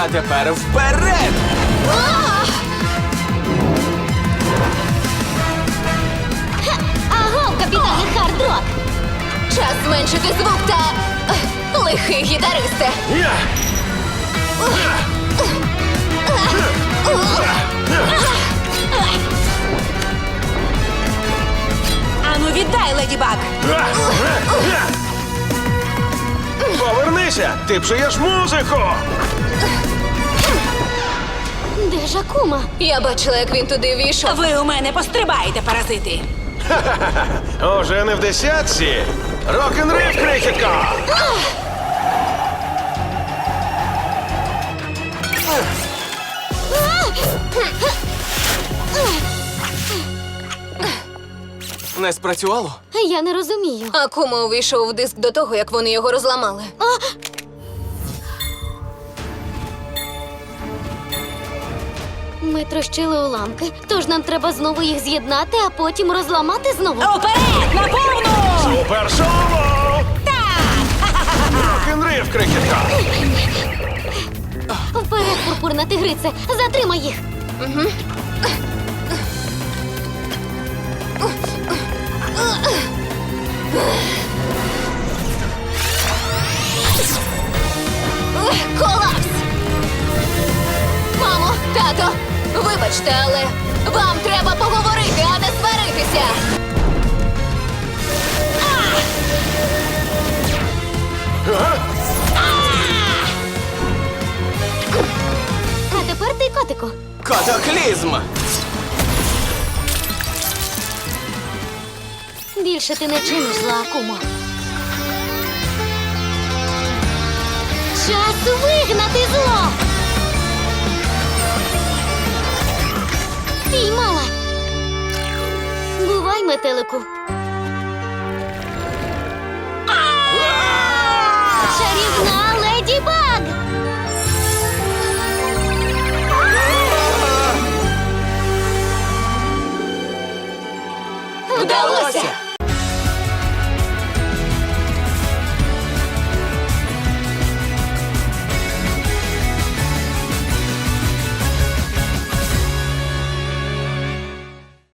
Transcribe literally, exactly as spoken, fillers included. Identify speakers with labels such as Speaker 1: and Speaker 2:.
Speaker 1: А тепер вперед!
Speaker 2: Аго, капітане Хардрок!
Speaker 3: Час зменшити звук та... ех, лихий гітаристе.
Speaker 4: Я!
Speaker 5: Ану, віддай, Леді Баг!
Speaker 4: Повернися! Ти псуєш музику!
Speaker 2: Де ж Акума?
Speaker 3: Я бачила, як він туди війшов.
Speaker 5: Ви у мене пострибаєте, паразити!
Speaker 4: Уже не в десятці! Рок-н-рив, крихітко!
Speaker 1: Не спрацювало?
Speaker 2: Я не розумію.
Speaker 3: Акума увійшов в диск до того, як вони його розламали.
Speaker 2: Ми трощили уламки, тож нам треба знову їх з'єднати, а потім розламати знову.
Speaker 5: Уперед, на повну!
Speaker 4: Супер соло! Рок-н-рив, крихітко!
Speaker 2: Вперед, пурпурна тигрице, затримай їх.
Speaker 3: Ех, колапс! Мамо, тато, вибачте, але вам треба поговорити, а не сваритися.
Speaker 2: А тепер ти, котику.
Speaker 1: Катаклізм!
Speaker 2: Більше ти не чиниш зла, Акумо. Час вигнати зло! Піймала! Бувай, метелику.